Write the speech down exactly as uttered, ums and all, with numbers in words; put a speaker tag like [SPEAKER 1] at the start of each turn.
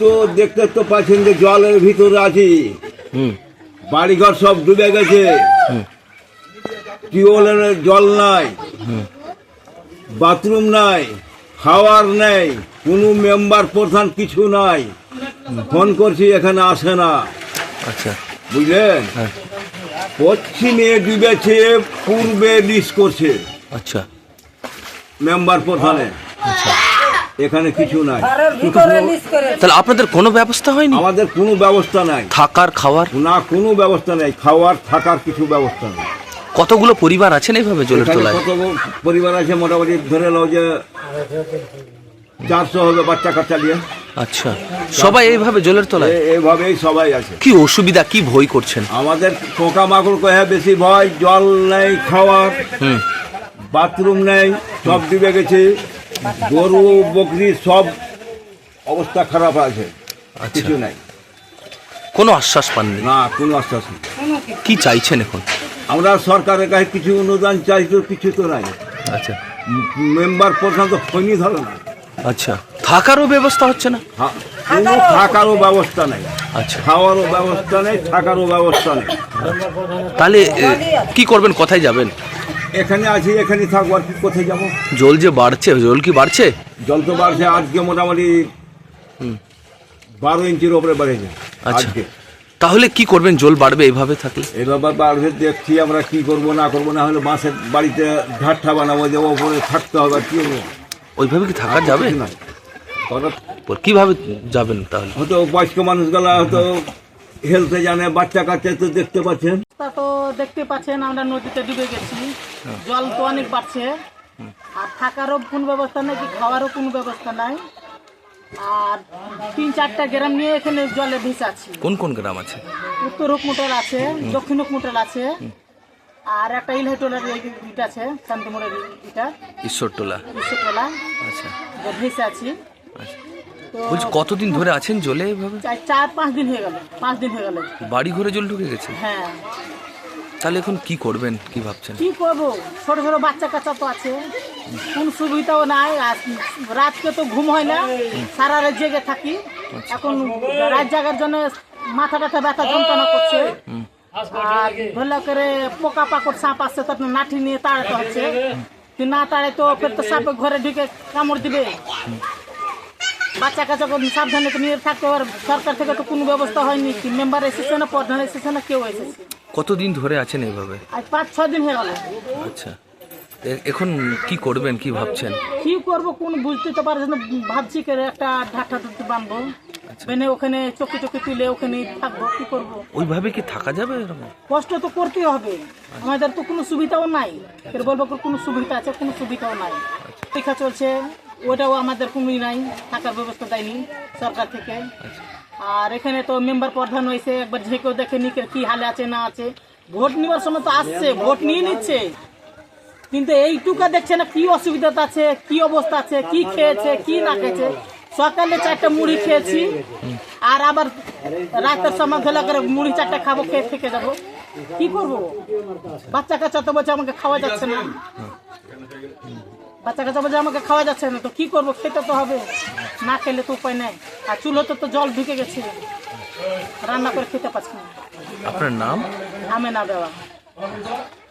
[SPEAKER 1] তো দেখতে তো পাচ্ছেন যে জলের ভিতরে আছি, বাড়িঘর সব ডুবে গেছে, টিউবওয়েলের জল নাই, বাথরুম নাই, খাওয়ার নেই, কোনো মেম্বার প্রধান কিছু নাই। ফোন করছি এখানে আসে না।
[SPEAKER 2] আচ্ছা,
[SPEAKER 1] বুঝলেন, পশ্চিমে ডুবেছে, পূর্বে লিস্ট করছে।
[SPEAKER 2] আচ্ছা,
[SPEAKER 1] মেম্বার প্রধানে এখানে কিছু নাই।
[SPEAKER 2] তাহলে আপনাদের কোনো ব্যবস্থা হয়নি?
[SPEAKER 1] আমাদের কোনো ব্যবস্থা নাই,
[SPEAKER 2] থাকার খাওয়ার
[SPEAKER 1] না কোনো ব্যবস্থা নেই, খাওয়ার থাকার কিছু ব্যবস্থা নেই।
[SPEAKER 2] কতগুলো পরিবার আছেন এইভাবে জলের
[SPEAKER 1] এখানে
[SPEAKER 2] তলায়?
[SPEAKER 1] কত পরিবার আছে, মোটামুটি ধরে নাও যে চারশো হবে বাচ্চা কাচ্চা নিয়ে।
[SPEAKER 2] আচ্ছা, সবাই এইভাবে জলের তলায়?
[SPEAKER 1] এ- এইভাবেই সবাই আছে।
[SPEAKER 2] কি অসুবিধা, কি ভয় করছেন?
[SPEAKER 1] আমাদের পোকা মাকড় কহে বেশি ভয়, জল নেই, খাওয়ার,
[SPEAKER 2] হুম,
[SPEAKER 1] বাথরুম নেই, সব ডুবে গেছে, গরু বকরি সব অবস্থা খারাপ আছে, কিছু নাই।
[SPEAKER 2] কোনো আশ্বাস পাননি?
[SPEAKER 1] না, কোনো আশ্বাস নেই।
[SPEAKER 2] কি চাইছেন এখন?
[SPEAKER 1] আমরা সরকারের কাছে কিছু অনুদান চাই, তো কিছু তো নাই।
[SPEAKER 2] আচ্ছা,
[SPEAKER 1] মেম্বার প্রধান তো ফোনই ধরে না।
[SPEAKER 2] আচ্ছা, থাকারও ব্যবস্থা হচ্ছে না?
[SPEAKER 1] হা- কোনো থাকারও ব্যবস্থা নেই,
[SPEAKER 2] আচ্ছা,
[SPEAKER 1] খাওয়ারও ব্যবস্থা নেই, থাকারও ব্যবস্থা নেই।
[SPEAKER 2] তাহলে এ, কি করবেন, কোথায় যাবেন?
[SPEAKER 1] এখানে আছি, এখানে থাকবো, আর কি কোথায় যাবো?
[SPEAKER 2] জল যে বাড়ছে, জল কি বাড়ছে?
[SPEAKER 1] জল তো বাড়ছে, আজকে মোটামুটি
[SPEAKER 2] হুম,
[SPEAKER 1] বারো ইঞ্চির ওপরে বেড়েছে
[SPEAKER 2] আচ্ছা।
[SPEAKER 1] আজকে।
[SPEAKER 2] তাহলে কি করবেন জল বাড়বে এইভাবে থাকলে?
[SPEAKER 1] এভাবে বাড়বে, দেখছি আমরা কি করবো না করবো, না হলে বাঁশের বাড়িতে ঝাড়টা বানাবো, যে ওপরে থাকতে হবে, আর কি হবে?
[SPEAKER 2] ওইভাবে কি থাকা যাবে?
[SPEAKER 1] না, করার-
[SPEAKER 2] কিভাবে যাবেন তাহলে?
[SPEAKER 1] হয়তো বয়স্ক মানুষগুলা হয়তো হেলতে জানে, বাচ্চা কাচ্চা তো দেখতে পাচ্ছেন।
[SPEAKER 3] তা তো দেখতে পাচ্ছেন আমরা নদীতে ডুবে গেছি, জল তো অনেক বাড়ছে, আর থাকারও কোনো ব্যবস্থা নেই, কি খাওয়ারও কোনো ব্যবস্থা নাই। আর তিন চারটা গ্রাম নিয়ে এখানে জলে ভেসে আছি।
[SPEAKER 2] কোন কোন গ্রাম আছে?
[SPEAKER 3] উত্তর হুকমোটাল আছে, দক্ষিণ হুকমোটাল আছে, আর একটা ইলহাইটোলার ইটা আছে, শান্তিমোড়ের ইটা,
[SPEAKER 2] ঈশ্বরটোলা।
[SPEAKER 3] বিশ্বটোলা,
[SPEAKER 2] আচ্ছা,
[SPEAKER 3] ভেসে আছি।
[SPEAKER 2] আচ্ছা।
[SPEAKER 3] তো
[SPEAKER 2] বলছি কতদিন ধরে আছেন জলে এইভাবে?
[SPEAKER 3] চার চার পাঁচ দিন হয়ে গেল, পাঁচ দিন হয়ে গেল।
[SPEAKER 2] বাড়ি ঘরে জল ঢুকে গেছে?
[SPEAKER 3] হ্যাঁ,
[SPEAKER 2] তাহলে এখন কি করবেন, কি ভাবছেন?
[SPEAKER 3] কি করবো, ছোট ছোট বাচ্চা কাচ্চা তো আছে, কোন সুবিধাও নাই। আর রাতকে তো ঘুম হয় না, সারা রাত জেগে থাকি। এখন রাত জাগার জন্য মাথা ব্যথা ব্যথা যন্ত্রণা করছে, আর ভালো করে পোকা পাকড় সাপ আসছে, তো আপনার লাঠি নিয়ে তাড়াতে হচ্ছে। তুই না তাড়ে তো ফের তো সাপে ঘরে ঢুকে কামড় দিবে। বাচ্চা কাচ্চা সাবধানে তো নিয়ে থাকতে হবে। সরকার থেকে তো কোনো ব্যবস্থা হয়নি, কি মেম্বার এসেছে না, প্রধান এসেছে না, কেউ এসেছে।
[SPEAKER 2] কতদিন ধরে আছেন এইভাবে?
[SPEAKER 3] আজ পাঁচ ছ দিন হয়ে গেল।
[SPEAKER 2] আচ্ছা, এ- এখন কি করবেন, কি ভাবছেন?
[SPEAKER 3] কি করবো কোন বুঝতে তো পারছি না, ভাবছি করে একটা ঢাকা ঢুকতে বানবো, বেনে ওখানে চকি চকি তুলে ওখানে থাকবো। কি করবো,
[SPEAKER 2] ওইভাবে কি থাকা যাবে এরকম?
[SPEAKER 3] কষ্ট তো করতেই হবে, আমাদের তো কোনো সুবিধাও নাই। এর বলবো কোনো সুবিধা আছে, কোনো সুবিধাও নাই। পরীক্ষা চলছে, ওটাও আমাদের কোনোই নাই, থাকার ব্যবস্থা দেয়নি সরকার থেকে। আর এখানে তো মেম্বার প্রধান হয়েছে, একবার ঝেঁকেও দেখে নি কি হালে আছে না আছে। ভোট নেওয়ার সময় তো আসছে, ভোট নিয়ে নিচ্ছে, কিন্তু এইটুকা দেখছে না কি অসুবিধা আছে, কি অবস্থা আছে, কি খেয়েছে কি না খেয়েছে। সকালে চারটা মুড়ি খেয়েছি, আর আবার রাতের সময় ধরে করে মুড়ি চারটা খাবো, খেয়ে থেকে যাবো। কি করবো, বাচ্চা কাচ্চা তো বলছে আমাকে খাওয়া যাচ্ছে না, বাচ্চা কাচ্চা বলছে আমাকে খাওয়া যাচ্ছে না, তো কি করবো, খেতে তো হবে, না খেলে তো উপায় নেই। আর চুলোতে তো জল ঢুকে গেছে, রান্না করে খেতে পাচ্ছি না।
[SPEAKER 2] আপনার নাম?
[SPEAKER 3] আমি না দেওয়া।